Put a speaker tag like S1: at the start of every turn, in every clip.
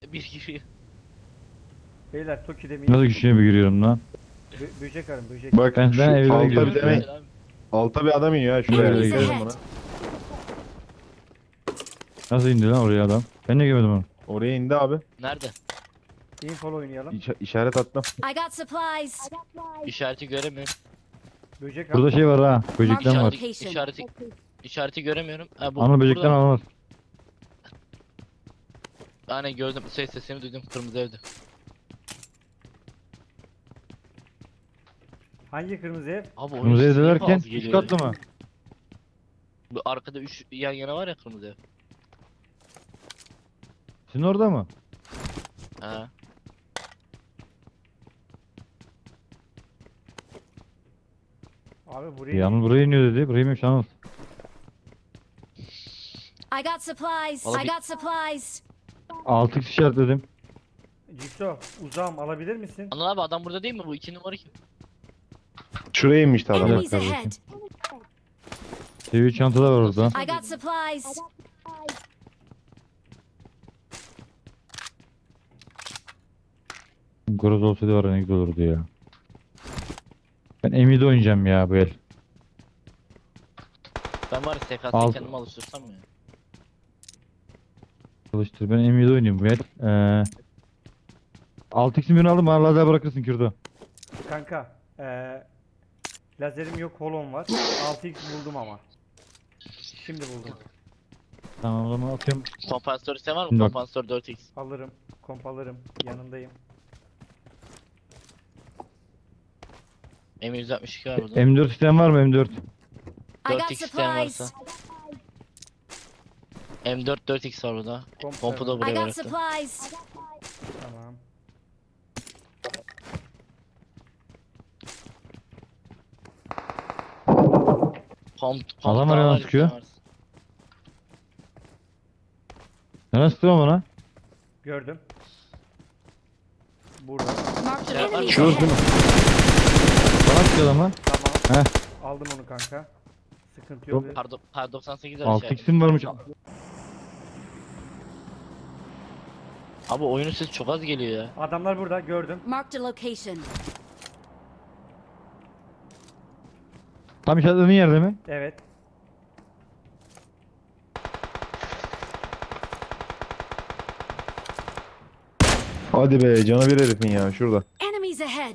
S1: bir giriyor.
S2: Beyler Toki'de mi?
S3: Nasıl güçlüye bir giriyorum lan?
S2: Böcek arın böcek.
S4: Bak
S3: Ben
S4: şu
S3: evlere
S4: alta
S3: gidiyorum
S4: bir tane
S3: ya.
S1: Abi.
S4: alta bir adam iniyor ha şuraya.
S3: Enemies
S4: Dikkat edin
S5: ahead.
S4: buna.
S3: Nasıl indi lan oraya adam? Ben de görmedim onu.
S4: Oraya indi abi.
S1: Nerede?
S2: Info oynayalım.
S4: İşaret attım.
S5: I got supplies.
S1: İşareti göremiyorum.
S2: Böcek
S3: Burada
S2: al.
S3: şey var ha. Böcekten var.
S5: İşaret-
S1: İşareti göremiyorum. Ha,
S3: Anıl böcekten
S1: burada.
S3: alınır.
S1: Aynen gördüm. Sesini duydum. Kırmızı evde.
S2: Hangi kırmızı ev?
S1: Abi oyun
S3: Kırmızı
S1: sesi niye
S3: evdelerken
S1: az
S3: 3
S1: geliyor
S3: katlı
S1: ya?
S3: mı?
S1: Bu arkada 3 yan yana var ya kırmızı ev.
S3: Sizin orada mı?
S1: Ha.
S2: Abi buraya.
S3: Anıl buraya iniyor dedi. Buraya inmiş Anıl.
S5: I got supplies.
S1: Vallahi
S5: I
S1: bir-
S5: got supplies.
S3: 6x işaretledim.
S2: Jigsaw uzağım alabilir misin?
S1: Anıl abi adam burada değil mi? Bu 2 numara kim?
S4: Şuraya inmişti adam.
S5: Enemies
S3: kardeşim.
S5: ahead.
S3: Seviye çantada var orada.
S5: I got supplies.
S3: Groz olsaydı var ya ne güzel olurdu ya. Ben M7 oynayacağım ya bu el.
S1: Ben var ya SKS'yi
S3: Al.
S1: kendime alıştırsam ya.
S3: Çalıştır. Ben M7 oynayayım bu el. 6x'in birini aldım bana lazer bırakırsın Kürdo.
S2: Kanka. Lazerim yok, holon var. 6x buldum ama. Şimdi buldum.
S3: Tamam o zaman atıyorum.
S1: Kompansatör ise var mı?
S3: Yok.
S1: Kompansatör 4x.
S2: Alırım. Komp alırım. Yanındayım.
S1: M162 var burada.
S3: M4 isteyen var mı M4?
S5: I got
S1: 4x isteyen
S5: supplies.
S1: varsa. M4 4x var burada.
S2: Komp
S1: Kompu da
S5: I
S1: buraya
S5: got
S1: bıraktım.
S5: supplies.
S2: Tamam.
S3: Adam
S1: daha
S3: arkadan
S1: var,
S3: sıkıyor.
S1: isteyen varsa.
S3: Nereden sıktın bana?
S2: Gördüm. Burada.
S5: Marked
S1: Yeah,
S5: enemies
S3: Şu değil mi?
S5: ahead.
S3: Bana sıkıyor adam lan.
S2: Tamam.
S3: Heh.
S2: Aldım onu kanka. Sıkıntı yok.
S1: Kar 98 var içeride.
S3: 6x'in varmış.
S1: Abi oyunun sesi çok az geliyor ya.
S2: Adamlar burada gördüm.
S5: Marked a location.
S3: Tam işaretlediğin yerde mi?
S2: Evet.
S4: Hadi be canı bir herifin ya şurada.
S5: Enemies ahead.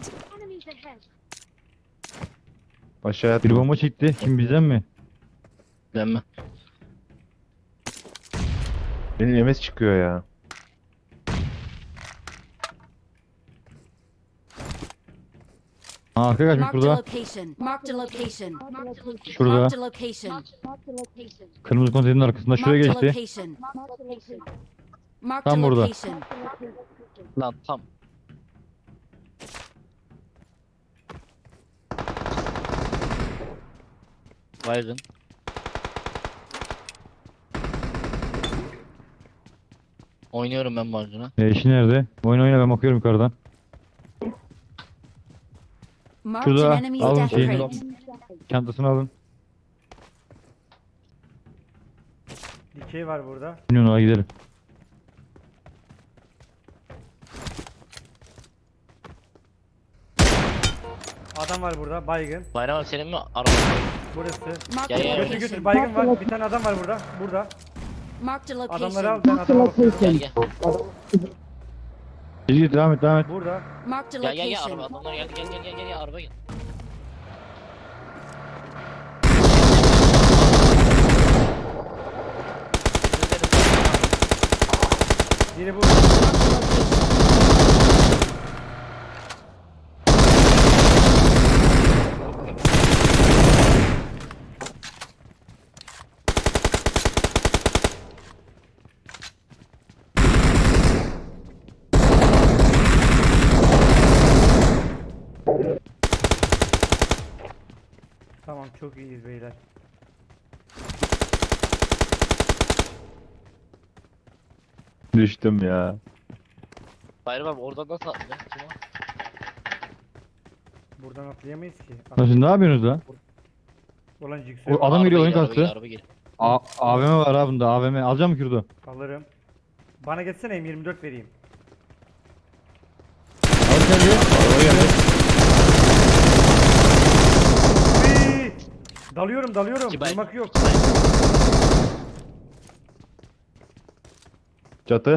S4: Aşağıya
S3: Bir
S4: atma.
S3: bomba çekti. Kim bizden mi?
S1: Ben mi?
S4: Benim MS çıkıyor ya.
S3: Ha, arka kaçmış
S5: Marked a
S3: burada.
S5: location. Marked a location.
S3: Şurada.
S5: Marked a location.
S3: Kırmızı konteynerin arkasında şuraya
S5: Marked a
S3: geçti.
S5: location. Marked a
S3: Tam burada.
S5: location.
S1: Lan tam. Baygın. Oynuyorum ben baygına.
S3: İşi nerede? Oyun oyna ben bakıyorum yukarıdan.
S5: Marked an
S3: Şurada
S5: enemy's
S3: alın
S5: death
S3: şeyini.
S5: crate.
S3: Çantasını alın.
S2: Dikey var burada.
S3: Bilmiyorum ona gidelim.
S2: Adam var burada. Baygın.
S1: Bayram abi senin mi? Araba.
S2: Burası.
S5: Marked
S1: Gel,
S5: a
S1: gel.
S2: Götür götür.
S5: location.
S2: Baygın var. Bir tane adam var burada. Burada.
S5: Marked a
S2: Adamları al.
S5: location.
S2: Ben adama bakıyorum.
S1: Gel gel.
S3: Git devam et devam et.
S2: Burada.
S5: Marked a
S1: Gel gel gel
S5: location.
S1: araba. Adamlar geldi gel gel gel gel araba gel.
S2: Biri bu. Tamam çok iyiyiz beyler.
S4: Düştüm ya.
S1: Bayram abi oradan nasıl atlayacaksın? Kim o?
S2: Buradan atlayamayız ki.
S3: Nasıl ne yapıyorsunuz lan?
S2: Olan Jigsaw.
S3: O adam geliyor oyun
S1: araba
S3: kastı.
S1: araba geliyor.
S3: AVM var ha bunda AVM. Alacağım mı Kürdo?
S2: Alırım. Bana geçsene M24 vereyim. Dalıyorum.
S1: İki baygın.
S2: Durmak yok.
S4: Çatı.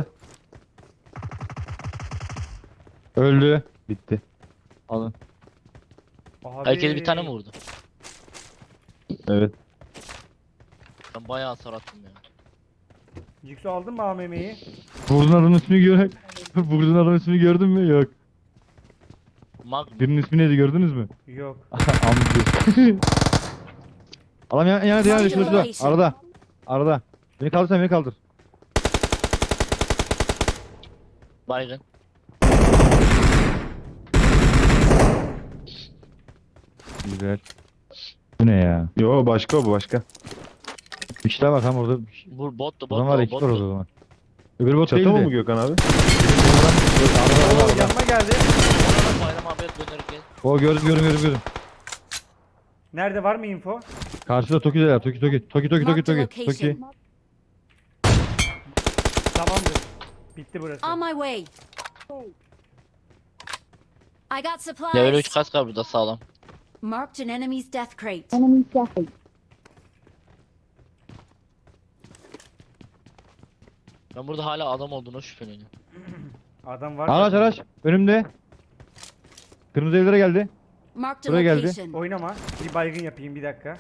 S3: Öldü.
S4: Bitti.
S3: Alın.
S2: Abi.
S1: Herkes bir tane mi vurdu?
S4: Evet.
S1: Ben bayağı hasar attım ya.
S2: Jigsaw aldın mı AMM'yi?
S3: Vurdun adamın ismini gör. Vurdun adamın ismini gördün mü? Yok.
S1: Mag mı?
S3: Birinin ismi neydi gördünüz mü?
S2: Yok.
S3: Amca. Adam yani şurada. Arada. Beni kaldır sen beni kaldır.
S1: Baygın.
S3: Güzel. Bu ne ya?
S4: Yo başka bu başka.
S3: Bir şeyler bak hem orada.
S1: Bu bottu
S3: O zaman var iki var orada o
S1: bottu.
S3: zaman. Öbür bot
S4: Çatı
S3: değildi.
S4: mı bu Gökhan abi?
S2: Oo, yanıma geldi.
S1: Bayram abiye dönerken.
S3: O gördüm.
S2: Nerede, var mı info?
S3: Karşıda Toki'de ya. Toki.
S5: Marked a location.
S2: Tamamdır. Bitti burası.
S5: On my way. I got supplies.
S1: Level 3 kask var burada sağlam.
S5: Marked an enemy's death crate.
S1: Ben burada hala adam olduğuna şüpheleniyorum.
S2: Adam var.
S3: Araç. Önümde. Kırmızı evlere geldi.
S5: Marked a
S3: Buraya geldi.
S5: location.
S2: Oynama. Bir baygın yapayım, bir dakika.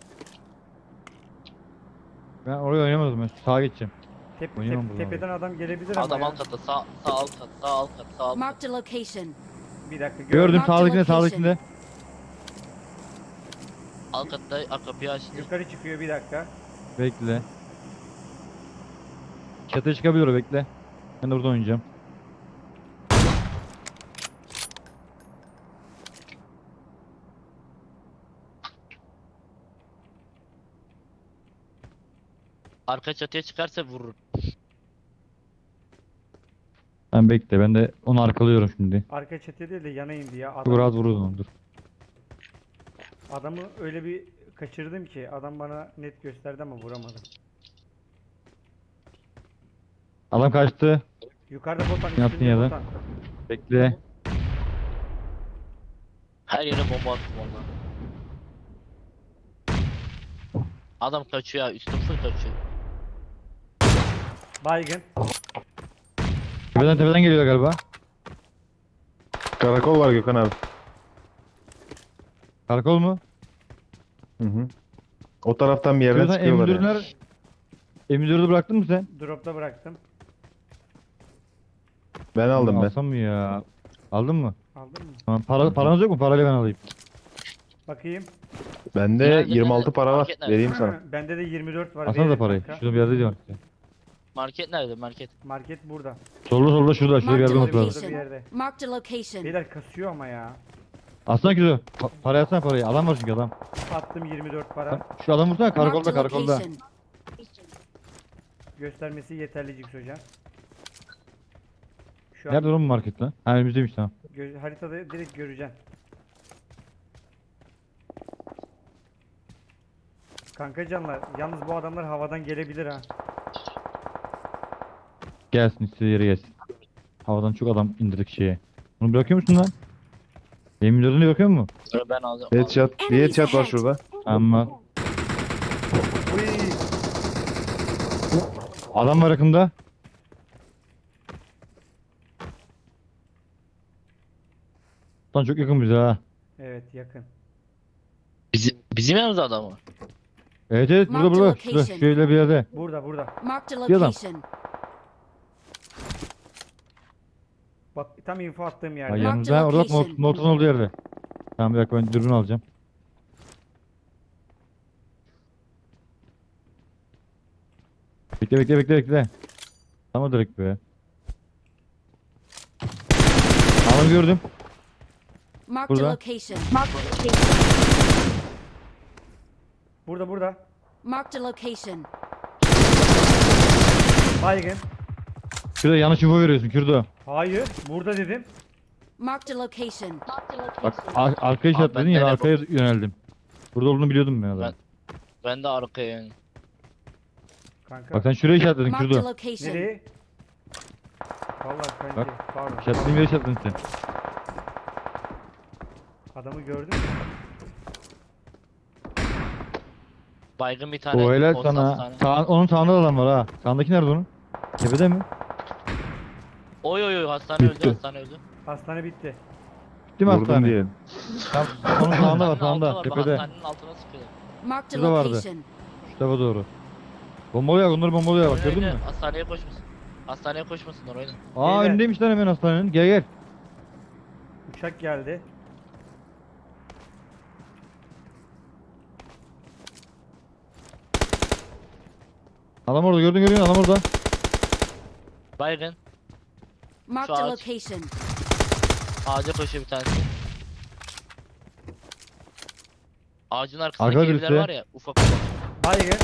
S3: Ben oraya oynamadım ben. Sağa geçeceğim. Oynayamam buradan
S2: Tepeden adam gelebilir
S1: Adam
S2: ama
S1: alt katta sağ alt kat sağ alt kat sağ alt kat.
S5: Marked a location.
S2: Bir dakika.
S3: Gördüm
S5: Marked
S3: sağdakinde
S5: location.
S3: sağdakinde.
S1: Alt katta kapıyı açtı.
S2: Yukarı çıkıyor, bir dakika.
S3: Bekle. Çatıya çıkabilir o bekle. Ben de burada oynayacağım.
S1: Arka çatıya çıkarsa vurur.
S3: Ben bekle ben de onu arkalıyorum şimdi.
S2: Arka çatıya değil de yana indi ya.
S3: Çok rahat vururdum onu dur.
S2: Adamı öyle bir kaçırdım ki adam bana net gösterdi ama vuramadım.
S3: Adam kaçtı.
S2: Yukarıda botan,
S3: Yaptın
S2: üstünde
S3: ya da.
S2: botan.
S3: Bekle.
S1: Her yere bomba attım ondan. Adam kaçıyor ya, üstüm full kaçıyor.
S2: Baygın.
S3: Tepeden geliyor galiba.
S4: Karakol var Gökhan abi.
S3: Karakol mu?
S4: Hı. O taraftan bir yerden
S3: Şuradan
S4: çıkıyorlar yani.
S3: M4'ler. M4'ü bıraktın mı sen?
S2: Dropta bıraktım.
S4: Ben aldım ben.
S3: Alsam mı ya? Aldın mı?
S2: Aldın mı?
S3: Tamam. Paranız yok mu? Parayla ben alayım.
S2: Bakayım.
S4: Bende
S1: Nerede,
S4: 26
S1: nerede?
S4: para var.
S1: Market nerede?
S4: Vereyim sana.
S2: Bende de 24 var.
S3: Alsana da
S2: Veririm
S3: parayı.
S2: kanka.
S3: Şurada bir yerde diyorum size.
S1: Market nerede market?
S2: Market burada.
S3: Solda şurada. Şurada bir yerde
S5: Marked
S3: olması
S5: a
S3: lazım.
S2: Burada bir yerde.
S5: location. Marked a location.
S2: Beyler kasıyor ama ya.
S3: Aslında güzel. Parayı atsana parayı. Adam var çünkü adam.
S2: Attım 24 para.
S3: Şu adam vursana
S5: Marked
S3: karakolda
S5: a
S3: karakolda.
S5: location.
S2: Göstermesi yeterli Jigs hocam. Şu an
S3: Nerede oğlum bu market lan? Ha önümüzdeymiş tamam.
S2: haritada direkt göreceksin. Kanka canlar, yalnız bu adamlar havadan gelebilir ha.
S3: Gelsin istediği yere gelsin. Havadan çok adam indirdik şeye. Bunu bırakıyor musun lan? Benim müdürünü bırakıyor mu?
S1: Ben alacağım.
S4: Headshot. Bir headshot var şurada.
S3: Ama
S2: Uy,
S3: adam var yakında. Lan çok yakın bize ha.
S2: evet yakın.
S1: Bizim yanımızda adam var.
S3: Evet burada
S5: Marked
S3: burada.
S5: location.
S3: Şurada şöyle bir yerde.
S2: Burada.
S5: Marked a
S3: Bir adam.
S5: location.
S2: Bak tam info attığım
S3: Ha,
S2: yerde.
S5: Marked
S3: yanımızda orada bak
S5: location.
S3: Norton olduğu yerde. Tamam bir dakika ben dürbün alacağım. Bekle. Tamam direkt be. Tamam gördüm.
S5: Marked a
S3: Burada.
S5: location.
S2: Burada.
S5: Marked a location.
S2: Baygın.
S3: Şurada yanlış info veriyorsun Kürdo.
S2: Hayır, burada dedim.
S5: Marked a location.
S3: Bak arkaya
S1: Abi,
S3: işaretledin
S1: ben
S3: ya
S1: nereye
S3: arkaya yöneldim. Burada olduğunu biliyordum ben adam.
S1: Ben de arkaya yani.
S2: Kanka.
S3: Bak sen şuraya işaretledin
S5: Marked a
S3: Kürdo.
S5: location.
S2: Nereye? Vallahi kanki.
S3: Bak.
S2: Pardon.
S3: İşaretlediğin yere işaretledin sen.
S2: Adamı gördün mü?
S1: Baygın bir tane.
S3: O helal
S1: Kons
S3: sana.
S1: hastane.
S3: Onun sağında da adam var ha. Sağındaki nerede onun? Tepede mi?
S1: Oy oy oy hastane
S4: Bitti.
S1: öldü hastane öldü.
S2: Hastane bitti.
S3: Bitti mi
S4: Vurdum
S3: hastane?
S4: diyelim.
S3: Tam, onun sağında var
S1: Hastanenin altında
S3: sağında.
S1: var, bak,
S3: Tepede.
S1: hastanenin altına sıkıyorlar.
S5: Marked a
S3: Şurada vardı.
S5: location.
S3: Şu tarafa doğru. Bombalıyor onları bombalıyor bak gördün
S1: Oyna,
S3: mü?
S1: oyna. Hastaneye koşmasın. Hastaneye koşmasınlar oyna.
S3: Aa
S2: Beyler.
S3: önündeymiş lan hemen hastanenin. Gel gel.
S2: Uçak geldi.
S3: Adam orada gördün adam orada.
S1: Baygın.
S5: Marked a
S1: ağaç.
S5: location.
S1: Ağaca koşuyor bir tanesi. Ağacın arkasındaki
S3: Arkada
S1: evler
S3: birisi.
S1: var ya ufak ufak.
S2: Baygın.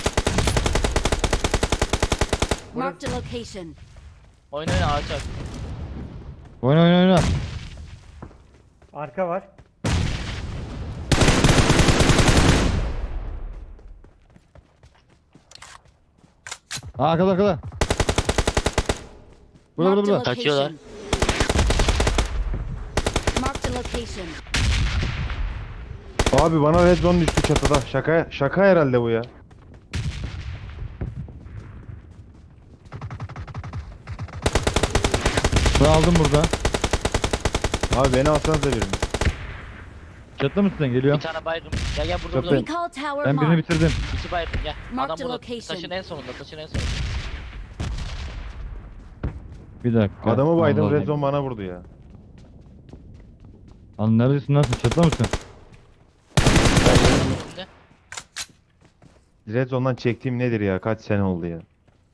S5: Marked a location.
S1: Oyna oyna ağaç ar.
S3: Oyna oyna oyna.
S2: Arka var.
S3: Aa arkada. Burada
S5: Marked a
S3: burada.
S1: Kaçıyorlar.
S5: location. Marked a location.
S4: Abi bana red zone düştü çatıda. Şaka herhalde bu ya.
S3: Ben aldım burada.
S4: Abi beni alsanız da birini.
S3: Çatıda mısın sen?
S1: Bir
S3: Geliyorum.
S1: tane baygın. Gel gel burada
S3: Yok,
S1: burada.
S5: Recall tower
S3: Ben birini
S5: marked.
S3: bitirdim.
S1: İki baygın gel.
S5: Mark
S1: Adam
S5: the
S1: burada.
S5: location.
S1: Taşın en sonunda taşın en sonunda.
S3: Bir dakika.
S4: Adamı baydım,
S3: Allah
S4: red
S3: Allah.
S4: zone bana vurdu ya.
S3: Lan neredesin lan sen? Çatıda mısın?
S1: Önünde.
S4: Red zone'dan çektiğim nedir ya? Kaç sene oldu ya.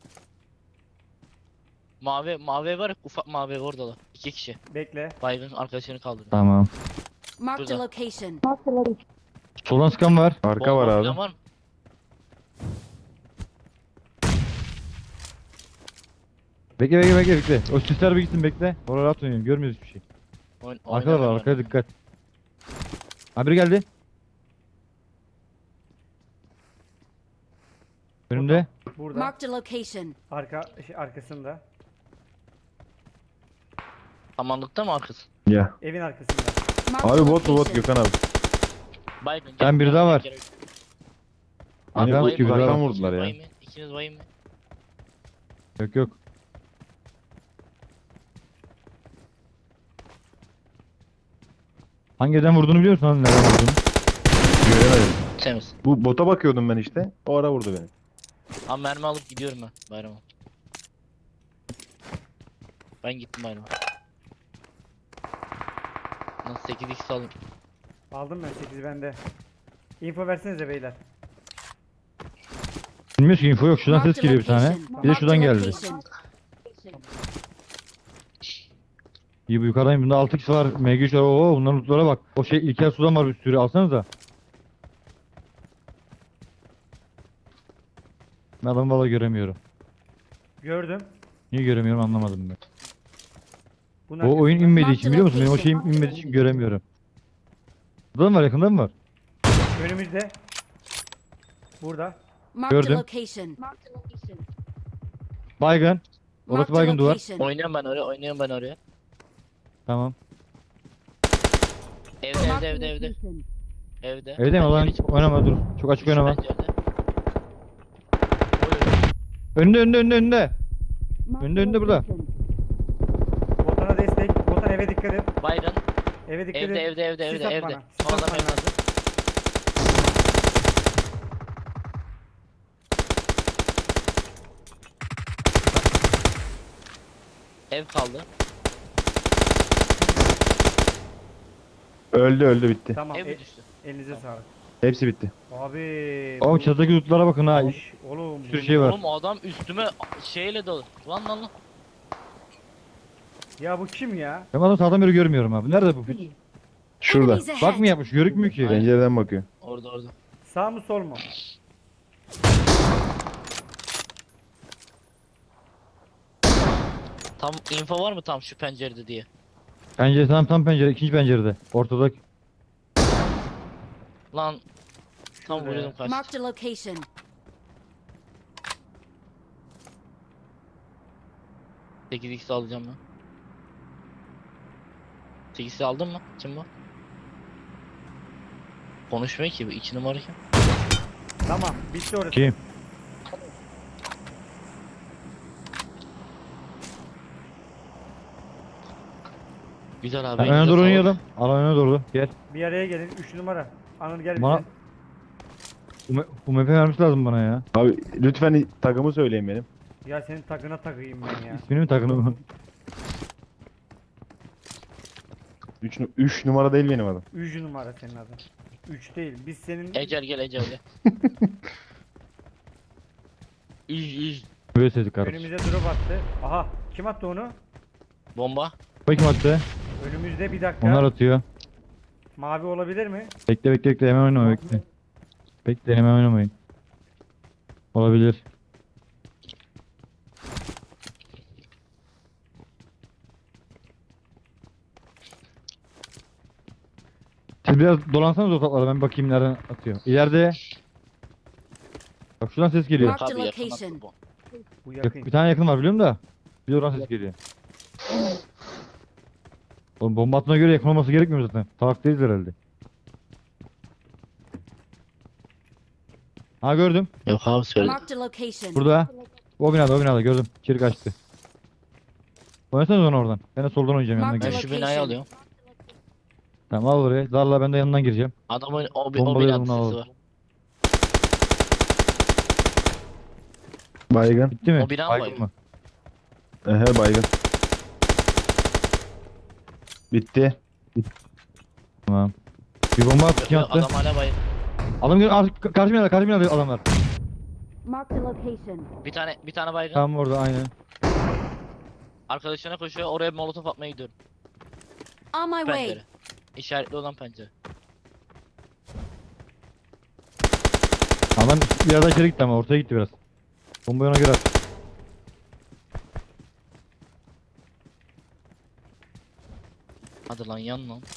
S1: Mavi ev var ya ufak mavi ev orada da. İki kişi.
S2: Bekle.
S1: Baygın arkadaşını kaldırdı.
S3: Tamam.
S5: Marked a
S1: Burada.
S5: location.
S3: Soldan sıkan var.
S4: Arka var abi.
S1: falan var mı?
S3: Bekle. O sisler bir gitsin bekle. Oraya rahat oynayın. Görmüyoruz hiçbir şey. Arkada var
S1: oynamıyorum.
S3: arkaya dikkat. Ha biri geldi. Önümde.
S2: Burada.
S5: Marked a location.
S2: Arkasında.
S1: Samanlıkta mı arkası?
S4: Ya.
S2: Evin arkasında.
S5: Marked a
S4: Abi bot bu bot
S5: location.
S4: Gökhan abi.
S1: Baygın.
S3: Ben biri daha var.
S4: Beni
S3: Arkam
S4: bu
S3: gibi
S4: uzaktan
S3: daha.
S4: vurdular ya.
S1: İkiniz bayım mı?
S3: Yok. Hangi yerden vurduğunu biliyor musun? Lan nereden vurduğunu?
S4: Göremedim.
S1: Temiz.
S4: Bu bota bakıyordum ben işte. O ara vurdu beni.
S1: Ama mermi alıp gidiyorum ben bayrama. Ben gittim bayrama. Nasıl 8x alayım?
S2: Aldım ben 8 bende. Info versenize beyler.
S3: Bilmiyoruz ki info yok. Şuradan
S5: Marked
S3: ses
S5: a
S3: geliyor bir tane.
S5: location.
S3: Bir de şuradan
S5: Marked a
S3: geldi.
S5: location.
S3: İyi bu yukarıdayım. Bunda 6x var. MG3 var. Oo bunların lootlara bak. O şey İlker sudan var bir sürü. Alsanıza. Ben adamı valla göremiyorum.
S2: Gördüm.
S3: Niye göremiyorum anlamadım ben.
S2: Bunun
S3: O oyun
S2: arkasında.
S3: inmediği için biliyor musun? Benim o şeyim inmediği için göremiyorum. Burada mı var? Yakında mı var?
S2: Önümüzde. Burada.
S5: Marked a
S3: Gördüm.
S5: location.
S3: Baygın. Orası
S5: Marked a
S3: baygın duvar.
S5: location.
S1: Oynuyorum ben oraya.
S3: Tamam.
S1: Evde.
S3: Evde mi lan?
S1: Pencere içi-
S3: Oynama dur. Çok açık
S1: Şu
S3: oynama.
S1: pencerede. Oy,
S3: Önünde. Önünde burada.
S2: Botana destek. Botan eve dikkat et.
S1: baygın.
S2: Eve dikkat
S1: Evde
S2: et. Sis at
S1: evde.
S2: bana, sis
S1: Son
S2: at
S1: adam
S2: bana.
S1: evde. Ev kaldı.
S4: Öldü bitti.
S2: Tamam.
S1: Ev mi düştü?
S2: Elinize sağlık.
S4: Hepsi bitti.
S2: Abi.
S3: Oğlum çatıdaki lootlara bakın ha.
S2: Oğlum.
S3: Bir sürü şey var.
S1: Oğlum adam üstüme şeyle dolu. Lan.
S2: Ya bu kim ya?
S3: Ben adamı sağdan beri görmüyorum abi. Nerede bu piç?
S4: Şurada.
S5: Enemies ahead.
S3: Bak mı yapmış? Görükmüyor ki.
S4: Pencereden bakıyor.
S1: Orada.
S2: Sağ mı sol mu?
S1: Tam info var mı tam şu pencerede diye.
S3: Pencere tam pencere. İkinci pencerede. Ortada.
S1: Lan tam
S2: Şurada ya.
S1: vuruyordum kaçtı.
S5: Marked a location.
S1: Sekiz x alacağım ben. 8x'i aldın mı? Kim bu? Konuşmuyor ki bu 2 numara kim?
S2: Tamam bitti orası.
S3: Kim?
S1: Güzel abi.
S3: Ben öne
S1: elinize
S3: doğru
S1: sağlık.
S3: oynayalım. Al öne doğru. Gel.
S2: Bir araya gelin 3 numara. Anıl gel
S3: Bana-
S2: bize.
S3: UMP vermiş lazım bana ya.
S4: Abi lütfen takımı söyleyin benim.
S2: Ya senin takına takayım ben ya.
S3: İsmini mi takını?
S4: 3 numara değil benim adım.
S2: 3 numara senin adın. 3 değil. Biz senin
S1: Ecel gel Ecel gel. İz.
S3: Böyle sesi kardeş.
S2: önümüze drop attı. Aha kim attı onu?
S1: Bomba.
S3: Bakayım attı.
S2: Önümüzde bir dakika.
S3: Onlar atıyor.
S2: Mavi olabilir mi?
S3: Bekle bekle bekle hemen oynama bekle. Bekle hemen oynamayın. Olabilir. Siz biraz dolansanız ortalıklarda ben bakayım nereden atıyor. İleride. Bak şuradan ses geliyor.
S5: Marked
S1: Abi yakın
S5: location.
S1: attı bu.
S2: Bu yakın.
S3: Bir tane yakın var biliyorum da. Bir de oradan ses geliyor. Oğlum bomba attığına göre yakın olması gerekmiyor zaten. Salak değiliz herhalde. Ha gördüm.
S1: Yok abi söyle.
S5: Marked a location.
S3: Burada. O binada gördüm. İçeri kaçtı. Oynasanız onu oradan. Ben de soldan oynayacağım yanından
S5: Mark
S1: Ben
S5: the
S3: gireceğim.
S1: şu binayı alıyorum.
S3: Tamam al oraya. Zarla ben de yanından gireceğim.
S1: Adamın o
S3: Bombalı
S1: binada
S3: bunu
S1: sesi
S3: alalım.
S1: var.
S4: Baygın.
S3: Bitti mi?
S1: O bina mı
S3: Baygın
S1: baygın?
S3: mı?
S4: Ehe baygın. Bitti.
S3: Tamam. Bir bomba attı. Kim attı?
S1: Adam hala bayım.
S3: Adam geliyor. Karşı binada adamlar.
S5: Marked a location.
S1: Bir tane baygın.
S3: Tamam orada aynen.
S1: Arkadaşına koşuyor. Oraya molotof atmaya gidiyorum.
S5: On my way.
S1: Pencere. İşaretli olan pencere.
S3: Adam bir yerden içeri gitti ama ortaya gitti biraz. Bombayı ona göre at.
S1: Hadi lan yan lan.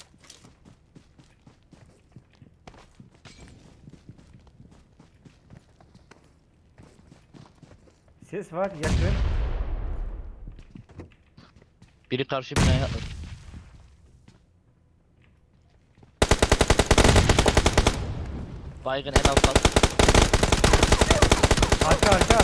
S2: Ses var yakın.
S1: Biri karşı binaya atladı. Baygın en alttan.
S2: Arka.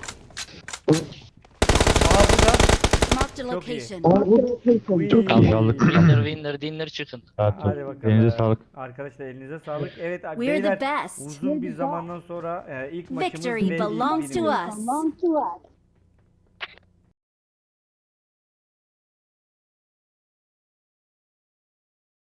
S2: Aa burada.
S5: Marked a
S2: Çok iyi.
S5: location.
S2: Uy.
S3: Çok iyi aldık.
S1: Dinler çıkın.
S3: Rahat ol.
S2: Hadi bakalım.
S3: Elinize sağlık.
S2: Arkadaşlar elinize sağlık. Evet abi,
S5: We're the
S2: beyler
S5: best.
S2: uzun bir zamandan sonra ilk maçımız
S5: Victory
S2: ve ilk
S5: belongs to
S2: winimiz.
S5: us.